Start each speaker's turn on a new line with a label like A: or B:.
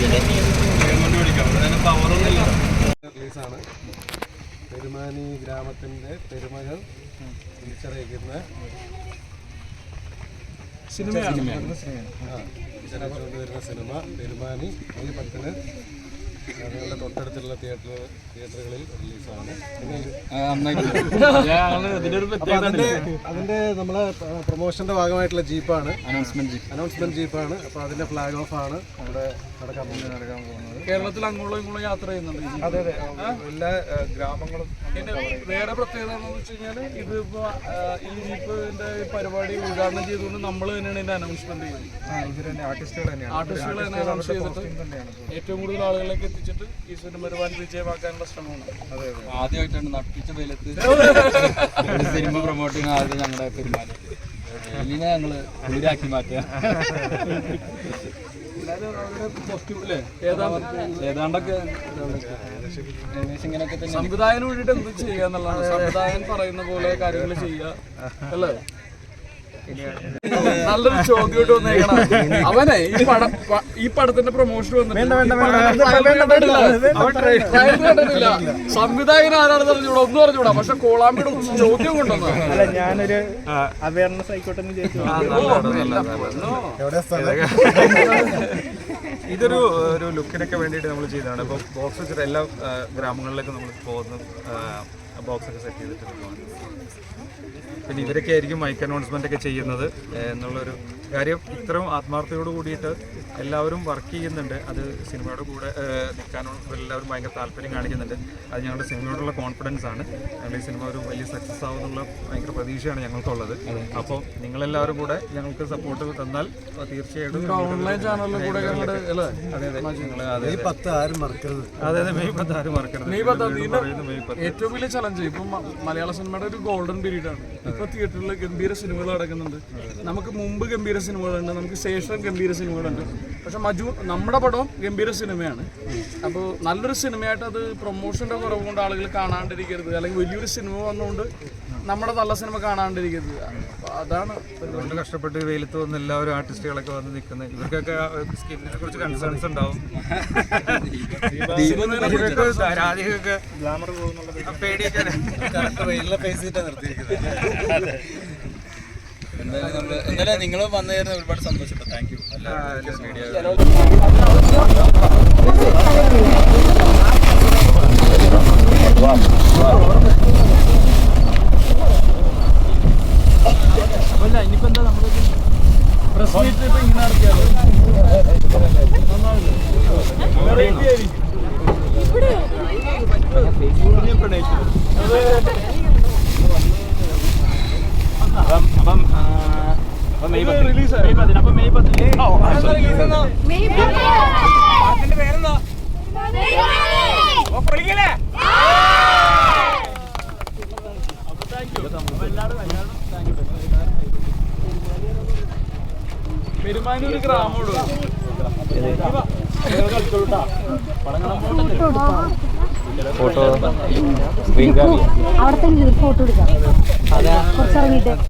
A: റിലീസാണ്. പെരുമാനി ഗ്രാമത്തിൻ്റെ പെരുമകൾ തിരിച്ചറിയിക്കുന്ന സിനിമയാണ്. വരുന്ന സിനിമ പെരുമാനി മെയ് 10 ഞങ്ങളുടെ തൊട്ടടുത്തുള്ള തിയേറ്ററുകളിൽ റിലീസാണ്. അതിന്റെ നമ്മളെ പ്രൊമോഷന്റെ ഭാഗമായിട്ടുള്ള ജീപ്പാണ്, അനൗൺസ്മെന്റ് ജീപ്പാണ്. അപ്പൊ അതിന്റെ ഫ്ലാഗ് ഓഫ് ആണ് ഇവിടെ നടക്കാൻ പോകുന്നത്.
B: കേരളത്തിൽ അങ്ങോളം ഇങ്ങോളം യാത്ര ചെയ്യുന്നുണ്ട്.
A: അതെ അതെ, എല്ലാ ഗ്രാമങ്ങളും.
B: വേറെ പ്രത്യേകത എന്ന് വെച്ച് കഴിഞ്ഞാല് ഇതിപ്പോ ഈ ജീപ്പിന്റെ പരിപാടി ഉദ്ഘാടനം ചെയ്തുകൊണ്ട് നമ്മൾ തന്നെയാണ് ഇതിന്റെ അനൗൺസ്മെന്റ് ചെയ്യുന്നത്. ആർട്ടിസ്റ്റുകൾ തന്നെ അനൗൺസ് ചെയ്തിട്ട് ഏറ്റവും കൂടുതൽ ആളുകളിലേക്ക് എത്തിച്ചിട്ട് ഈ സിനിമ ഒരുപാട് വിജയമാക്കാനുള്ള ശ്രമമാണ്.
C: ആദ്യമായിട്ടാണ് നട്ടിച്ച വെയിലത്ത് സിനിമ പ്രൊമോട്ട് ചെയ്യുന്ന ആദ്യം ഞങ്ങളുടെ പെരുമാനി വെയിലിനെ ഞങ്ങള് കുളിരാക്കി മാറ്റുക. ഏതാണ്ടൊക്കെ
B: സംവിധായകന് വേണ്ടിട്ട് എന്ത് ചെയ്യുക എന്നുള്ളതാണ്. സംവിധായകൻ പറയുന്ന പോലെ കാര്യങ്ങൾ ചെയ്യുക അല്ലേ. നല്ലൊരു ചോദ്യമായിട്ട് വന്നേക്കണം. അവനെ ഈ പടത്തിന്റെ പ്രൊമോഷൻ വന്നിട്ടില്ല, സംവിധായകൻ ആരാണെന്ന് അറിഞ്ഞൂടാ, ഒന്നും അറിഞ്ഞൂടാ. പക്ഷെ കോളാമ്പിയുടെ ചോദ്യം കൊണ്ടുവന്നു.
D: ഞാനൊരു അവയർനെസ് ആയിക്കോട്ടെ.
A: ഇതൊരു ലുക്കിനൊക്കെ വേണ്ടിയിട്ട് നമ്മൾ ചെയ്തതാണ്. ഇപ്പോൾ ബോക്സ് വെച്ചിട്ട് എല്ലാ ഗ്രാമങ്ങളിലേക്കും നമ്മൾ പോകുന്ന ബോക്സൊക്കെ സെറ്റ് ചെയ്തിട്ട് പിന്നെ ഇവരൊക്കെ ആയിരിക്കും മൈക്ക് അനൗൺസ്മെൻ്റ് ഒക്കെ ചെയ്യുന്നത് എന്നുള്ളൊരു കാര്യം. ഇത്രയും ആത്മാർത്ഥതയോട് കൂടിയിട്ട് എല്ലാവരും വർക്ക് ചെയ്യുന്നുണ്ട്. അത് സിനിമയുടെ കൂടെ നിൽക്കാനുള്ള എല്ലാവരും ഭയങ്കര താല്പര്യം കാണിക്കുന്നുണ്ട്. അത് ഞങ്ങളുടെ സിനിമയോടുള്ള കോൺഫിഡൻസ് ആണ്. ഞങ്ങൾ ഈ സിനിമ ഒരു വലിയ സക്സസ് ആവുമെന്നുള്ള ഭയങ്കര പ്രതീക്ഷയാണ് ഞങ്ങൾക്കുള്ളത്. അപ്പോൾ നിങ്ങളെല്ലാവരും കൂടെ ഞങ്ങൾക്ക് സപ്പോർട്ട് തന്നാൽ തീർച്ചയായിട്ടും
B: ഓൺലൈൻ ചാനലിൽ കൂടെ
A: അതെ അതെ മെയ് 10 ആരും മറക്കരുത്. അതെ അതെ, മെയ് 10 ആരും മറക്കരുത്.
B: മെയ് 10 ഏറ്റവും വലിയ ചലഞ്ച്. ഇപ്പം മലയാള സിനിമയുടെ ഒരു ഗോൾഡൻ പീരീഡ് ആണ്. ഇപ്പൊ തിയേറ്ററിൽ ഗംഭീര സിനിമകൾ നടക്കുന്നുണ്ട്. നമുക്ക് മുമ്പ് ഗംഭീര സിനിമകളുണ്ട്, നമുക്ക് ശേഷം ഗംഭീര സിനിമകളുണ്ട്. പക്ഷെ നമ്മുടെ പടവും ഗംഭീര സിനിമയാണ്. അപ്പോൾ നല്ലൊരു സിനിമയായിട്ട് അത് പ്രൊമോഷന്റെ കുറവ് കൊണ്ട് ആളുകൾ കാണാണ്ടിരിക്കരുത്, അല്ലെങ്കിൽ വലിയൊരു സിനിമ വന്നുകൊണ്ട് നമ്മുടെ നല്ല സിനിമ കാണാണ്ടിരിക്കരുത്. അതാണ്
A: ഒരുപാട് കഷ്ടപ്പെട്ട് വെയിലത്ത് വന്ന് എല്ലാവരും ആർട്ടിസ്റ്റുകളൊക്കെ വന്ന് നിൽക്കുന്നത്. ഇവർക്കൊക്കെ സ്കിന്നിനെ കുറിച്ച് കൺസേൺസ് ഉണ്ടാവും. രാധികയൊക്കെ പേടിയൊക്കെ വെയിലിനെ ഫേസ് ചെയ്തിട്ടാണ് നിർത്തിയിരിക്കുന്നത്.
C: എന്തായാലും നിങ്ങൾ വന്നതായിരുന്നു ഒരുപാട് സന്തോഷപ്പെട്ടു. Thank you.
B: ഇനിയിപ്പോ എന്താ നമ്മൾ പ്രസ് മീറ്റ് ഇപ്പൊ ഇങ്ങനെ നടത്തിയാലോ? Release May 10. അപ്പൊ മെയ് 10 പേരെന്താ? പെരുമാനി ഒരു ഗ്രാമോട്
E: ഫോട്ടോ അവിടെ തന്നെ ഫോട്ടോ എടുക്കാം കുറച്ചിറങ്ങിയിട്ട്.